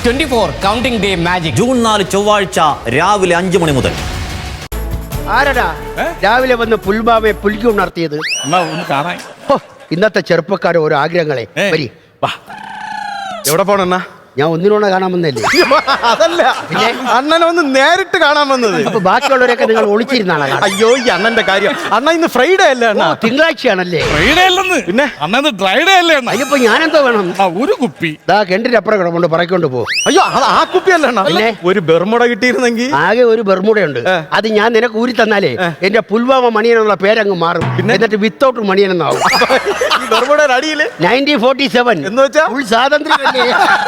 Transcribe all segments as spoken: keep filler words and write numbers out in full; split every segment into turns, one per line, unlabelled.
Twenty four counting day magic
June നാല് ചൊവ്വാഴ്ച രാവിലെ അഞ്ചു മണി മുതൽ.
ആരടാ രാവിലെ വന്ന് പുൽബാമയെ പുൽക്കി ഉണർത്തിയത്? ഇന്നത്തെ ചെറുപ്പക്കാരെ ഓരോ ആഗ്രഹങ്ങളെ വരി.
എവിടെ പോണെന്നാ?
ഞാൻ ഒന്നിനോടെ കാണാൻ വന്നല്ലേ?
അതല്ല, പിന്നെ അണ്ണനെ ഒന്ന് നേരിട്ട് കാണാൻ വന്നത്.
അപ്പൊ ബാക്കിയുള്ളവരൊക്കെ നിങ്ങൾ ഒളിച്ചിരുന്നാണ്?
അയ്യോ, ഈ അണ്ണന്റെ കാര്യം. അണ്ണ ഇന്ന് ഫ്രൈഡേ അല്ലേ അണ്ണ?
തിങ്കളാഴ്ചയാണല്ലേ?
ഫ്രൈഡേ അല്ലെന്ന്,
പിന്നെ
അണ്ണന്ന് ഡ്രൈഡേ അല്ലേ അണ്ണ?
അയ്യപ്പോ ഞാനെന്തോ വേണം?
ഒരു കുപ്പി
ദാ കെണ്ടിനപ്പുറം കിടപ്പുണ്ട്, പറക്കൊണ്ട് പോ.
അയ്യോ, അത് ആ കുപ്പിയല്ല അണ്ണ.
പിന്നെ
ഒരു ബെർമുട കിട്ടിയിരുന്നെങ്കിൽ.
ആകെ ഒരു ബെർമുടയുണ്ട്, അത് ഞാൻ നിനക്ക് ഊരി തന്നാലേ എന്റെ പുൽവാമ മണിയൻ എന്നുള്ള പേരങ്ങ് മാറും. എന്നിട്ട് വിത്തൗട്ട് മണിയൻ എന്നാവും.
ഈ ബെർമുടയുടെ അടിയില്
നയൻറ്റീൻ ഫോർട്ടി സെവൻ
എന്ന് വെച്ചാ
ഫുൾ സ്വാതന്ത്ര്യമല്ലേ?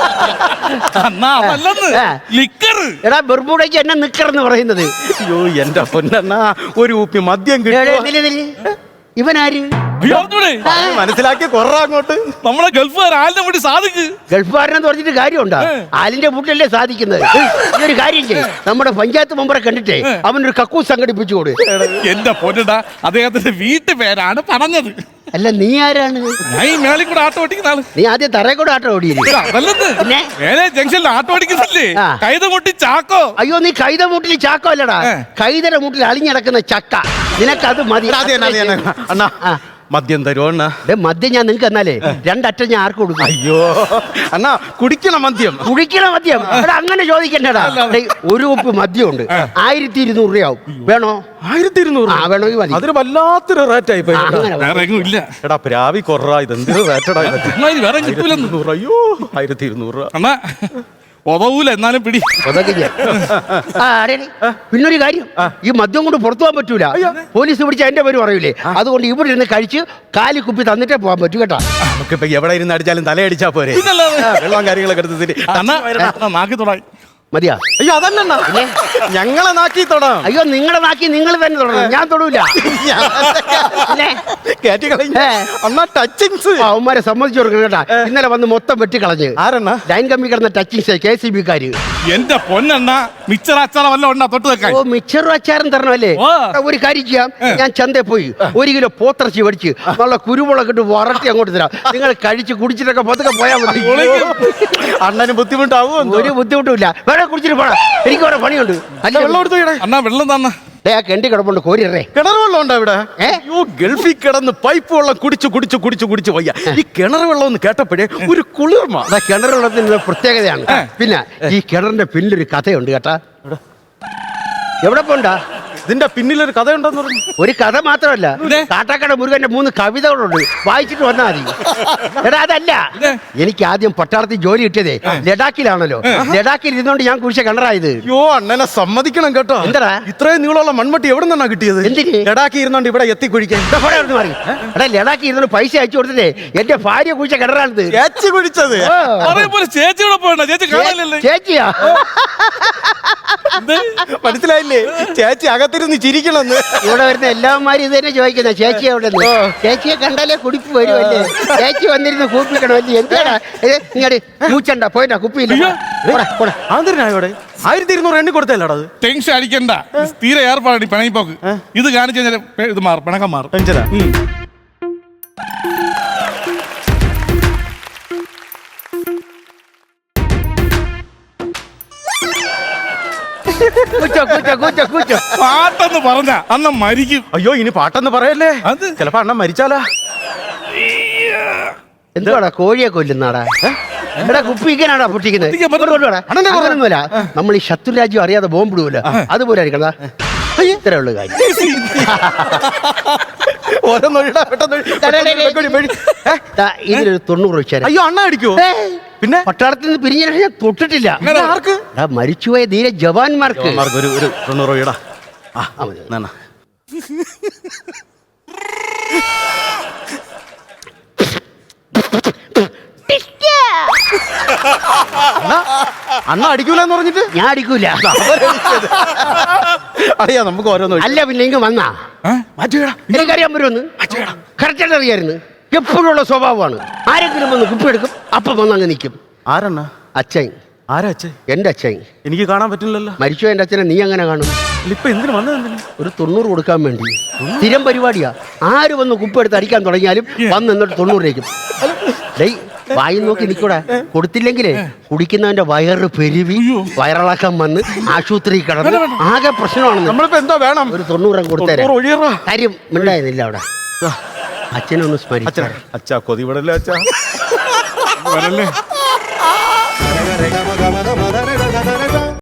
എടാ ബെർമുടയ്ക്ക് എന്നെ നിക്കറെന്ന് പറയുന്നത്.
അയ്യോ എന്റെ പൊന്നണ്ണ, ഒരു കുപ്പി മദ്യം കിട്ടും.
ഇവനാര്?
മനസ്സിലാക്കി കൊറ അങ്ങോട്ട്.
നമ്മളെ ഗൾഫുകാർ ആലിനെ വേണ്ടി സാധിക്ക്.
ഗൾഫുകാരനെന്ന് പറഞ്ഞിട്ട് കാര്യമുണ്ടോ? ആലിന്റെ വീട്ടിലല്ലേ സാധിക്കുന്നത്. ഈ ഒരു കാര്യം ചെയ്യും, നമ്മുടെ പഞ്ചായത്ത് മെമ്പറെ കണ്ടിട്ടേ അവനൊരു കക്കൂസ് സംഘടിപ്പിച്ചു കൊടു.
എന്റെ പൊന്നടാ, അദ്ദേഹത്തിന്റെ വീട്ടു പേരാണ് പറഞ്ഞത്.
അല്ല, നീ ആരാണ്?
ഞാൻ ഈ മേളിൽ കൂടെ ആട്ടോ ഓടിക്കുന്ന ആള്.
നീ ആദ്യം തറയെ കൂടെ ആട്ടോ ഓടിയില്ലേ?
മേലെ ജംഗ്ഷനിൽ ആട്ടോ ഓടിക്കുന്നില്ലേ? കൈതമുട്ടി ചാക്കോ.
അയ്യോ, നീ കൈത മൂട്ടിൽ ചാക്കോ അല്ലടാ, കൈതര മൂട്ടിൽ അളിഞ്ഞടക്കുന്ന ചക്ക. നിനക്കത് മതി.
അണ്ണാ മദ്യം തരുമോ അണ്ണ?
മദ്യം ഞാൻ നിങ്ങക്ക് എന്നാലേ രണ്ടറ്റം ഞാൻ ആർക്ക് കൊടുക്കും?
അയ്യോ അണ്ണാ, കുടിക്കണം മദ്യം.
കുടിക്കണം മദ്യം? അങ്ങനെ ചോദിക്കണ്ടടാ. ഒരു കുപ്പി മദ്യം ഉണ്ട്, ആയിരത്തി ഇരുന്നൂറ് രൂപയാവും. വേണോ?
ആയിരത്തി ഇരുന്നൂറ്
ആ വേണമെങ്കിൽ മതി.
അതൊരു വല്ലാത്തൊരു റേറ്റ് ആയി പോയി.
ഇല്ല
എടാ പ്രാവി കൊറ, ഇതെന്തൊരു റേറ്റടാ. അയ്യോ, ആയിരത്തി ഇരുന്നൂറ് രൂപ
അണ്ണാ ഒതവൂല, എന്നാലും പിടി.
പിന്നൊരു കാര്യം, ഈ മദ്യം കൊണ്ട് പുറത്തു പോകാൻ പറ്റൂല. പോലീസ് പിടിച്ച എന്റെ പേര് പറയൂലേ. അതുകൊണ്ട് ഇവിടെ ഇരുന്ന് കഴിച്ച് കാലി കുപ്പി തന്നിട്ടേ പോകാൻ പറ്റൂ കേട്ടോ.
നമുക്കിപ്പോ എവിടെ ഇരുന്ന് അടിച്ചാലും തലയടിച്ചാ പോരെ. വെള്ളം കാര്യങ്ങളൊക്കെ എടുത്തിട്ട്
നാക്കി തൊടായി
മതിയാ?
അയ്യോ അതല്ല, ഞങ്ങളെ നാക്കി തൊടാം.
അയ്യോ, നിങ്ങളെ നാക്കി നിങ്ങൾ തന്നെ തൊടണം, ഞാൻ തൊടൂല. അവന്മാരെ സമ്മതിച്ചു കൊടുക്കണം കേട്ടാ. ഇന്നലെ വന്ന് മൊത്തം വെട്ടിക്കളഞ്ഞ്.
ആരെണ്ണ?
ലൈൻ കമ്പി കിടന്ന ടച്ചിങ്സ് കെ സി ബി കാര്.
എന്റെ പൊന്നെണ്ണ, മിച്ചർ അച്ചാറ വല്ല ഉണ്ടാ തൊട്ട് വെക്കാൻ?
ഓ, മിച്ചറും അച്ചാറും തരണമല്ലേ? ഒരു കാര്യം ചെയ്യാം, ഞാൻ ചന്തയിൽ പോയി ഒരു കിലോ പോത്തിറച്ചി മേടിച്ച് നല്ല കുരുമുളക് ഇട്ട് വറട്ടി അങ്ങോട്ട് തരാം. നിങ്ങൾ കഴിച്ച് കുടിച്ചിട്ടൊക്കെ പതുക്കെ പോയാൽ മതി.
അണ്ണന് ബുദ്ധിമുട്ടാവും?
ഒരു ബുദ്ധിമുട്ടില്ല. വേറെ കുടിച്ചിട്ട് പോടാ, എനിക്ക് വേറെ പണിയുണ്ട്.
അല്ല, വെള്ളം എടുത്തു
അണ്ണാ, വെള്ളം തന്നെ.
കെണ്ടി കിടപ്പുണ്ട്, കോരിയറേ.
കിണർ വെള്ളം ഉണ്ടോ ഇവിടെ? അയ്യോ, ഗൾഫിൽ കിടന്ന് പൈപ്പ് വെള്ളം കുടിച്ചു കുടിച്ചു കുടിച്ചു കുടിച്ചു വയ്യ. ഈ കിണർ വെള്ളം ഒന്ന് കേട്ടപ്പോഴേ ഒരു കുളിർമ.
കിണർ വെള്ളത്തിന്റെ പ്രത്യേകതയാണ്. പിന്നെ ഈ കിണറിന്റെ പിന്നിലൊരു കഥയുണ്ട് കേട്ടാ. എവിടെ പോണ്ടാ?
ഇതിന്റെ പിന്നിലൊരു കഥയുണ്ടെന്ന് പറഞ്ഞു.
ഒരു കഥ മാത്രമല്ല, കാട്ടാക്കട മുരുകന്റെ മൂന്ന് കവിതകളുണ്ട്, വായിച്ചിട്ട് വന്നാൽ മതി. എടാ അതല്ല, എനിക്ക് ആദ്യം പട്ടാളത്തിൽ ജോലി കിട്ടിയതേ ലഡാക്കിലാണല്ലോ. ലഡാക്കിൽ ഇരുന്നോണ്ട് ഞാൻ കുഴിച്ച കിണറായത്.
അയ്യോ, അണ്ണനെ സമ്മതിക്കണം കേട്ടോ.
എന്താ
ഇത്രയും നീളമുള്ള മൺമട്ടി എവിടെ നിന്നാണ് കിട്ടിയത്?
എന്തിന്?
ലഡാക്കി ഇരുന്നോണ്ട് ഇവിടെ എത്തി കുഴിക്കാൻ.
എടാ, ലഡാക്കി ഇരുന്നോണ്ട് പൈസ അയച്ചു കൊടുത്തിട്ടേ എന്റെ ഭാര്യ കുഴിച്ച കിണറാണിത്.
ചേച്ചി കുഴിച്ചത്?
ചേച്ചിയോടെ പോയണ്ട, ചേച്ചി കാണാനല്ലേ?
ചേച്ചിയാ?
മനസ്സിലായില്ലേ? ചേച്ചി അകത്തിരുന്ന് ചിരിക്കണമെന്ന്.
ഇവിടെ വരുന്ന എല്ലാവന്മാരും ഇത് തന്നെ ചോദിക്കുന്ന ചേച്ചി എവിടെ? ചേച്ചിയെ കണ്ടാലേ കുടിപ്പ് വരുമല്ലേ? ചേച്ചി വന്നിരുന്ന് കൂപ്പിക്കണമല്ലേ? എന്താടാ ഇങ്ങോട്ട് മൂച്ചണ്ട, പോയിട്ടാ കുപ്പിയില്ല.
ആന്തരനായോടെ ആയിരത്തി ഇരുന്നൂറ് എണ്ണി കൊടുത്തല്ലോടാ. അത്
ടെൻഷൻ അടിക്കണ്ട, തീരെ ഏർപ്പാടി പിണങ്ങിപ്പോക്ക്. ഇത് കാണിച്ചു കഴിഞ്ഞാൽ ഇത് മാറും, പിണക്കം മാറും.
ടെൻഷനാ?
പാട്ടെന്ന് പറഞ്ഞ അണ്ണൻ മരിക്കും.
അയ്യോ, ഇനി പാട്ടെന്ന് പറയല്ലേ, ചിലപ്പോ അണ്ണൻ മരിച്ചാലാ.
എന്തുവാടാ കോഴിയെ കൊല്ലുന്നാടാ? എടാ, കുപ്പിക്കാനാടാ പൊട്ടിക്കുന്നത്? അങ്ങനൊന്നുമല്ല, നമ്മൾ ഈ ശത്രു രാജ്യം അറിയാതെ ബോംബിടുമല്ലോ, അതുപോലെ ആയിരിക്കണ. ഇത്രേ ഉള്ളു കാര്യം. ഇതിലൊരു തൊണ്ണൂറ് വെച്ചാൽ.
അയ്യോ, അണ്ണ അടിക്കോ? പിന്നെ
പട്ടാളത്തിൽ നിന്ന് പിരിഞ്ഞ ഞാൻ തൊട്ടിട്ടില്ല.
ആർക്ക്?
മരിച്ചുപോയ ധീര ജവാന്മാർക്ക്
ഒരു ഒരു തൊണ്ണൂറ് രൂപ. അണ്ണ അടിക്കൂലെന്ന് പറഞ്ഞിട്ട്
ഞാൻ അടിക്കൂല.
അറിയാ നമുക്ക് ഓരോന്നും.
അല്ല, പിന്നെ ഇങ്ങ് വന്നാ എനിക്കറിയാൻ വരുമെന്ന് കറക്റ്റായിട്ട് അറിയായിരുന്നു. എപ്പോഴുള്ള സ്വഭാവമാണ്. ആരെങ്കിലും വന്ന് കുപ്പിയെടുക്കും, അപ്പം വന്ന് അങ്ങ് നിൽക്കും.
ആരെണ്ണ?
അച്ഛൻ.
ആരാ അച്ഛൻ?
എന്റെ അച്ഛൻ.
എനിക്ക് കാണാൻ പറ്റില്ലല്ലോ.
മരിച്ചോ എന്റെ അച്ഛനെ നീ അങ്ങനെ കാണും?
ഇപ്പൊ എന്തിനു വന്നത്?
ഒരു തൊണ്ണൂറ് കൊടുക്കാൻ വേണ്ടി. സ്ഥിരം പരിപാടിയാ. ആര് വന്ന് കുപ്പ് എടുത്ത് അടിക്കാൻ തുടങ്ങിയാലും വന്ന് എന്നിട്ട് തൊണ്ണൂറിലേക്കും. വായി നോക്കി നിൽക്കൂടെ കൊടുത്തില്ലെങ്കിലേ കുടിക്കുന്നവന്റെ വയറ് പെരുവി വയറിളക്കം വന്ന് ആശുപത്രി കിടന്ന് ആകെ പ്രശ്നമാണെന്ന്.
നമ്മളിപ്പോ എന്താ വേണം?
ഒരു തൊണ്ണൂറം കൊടുത്തേരെ.
തൊണ്ണൂറ് ഒഴിയറാ.
കാര്യം മിണ്ടായിരുന്നില്ല അവിടെ. അച്ഛനൊന്ന്
അച്ഛാ
സ്മരിച്ചാ
അച്ഛാ കൊതി വിടല്ലേ അച്ഛാ.
വരല്ലേ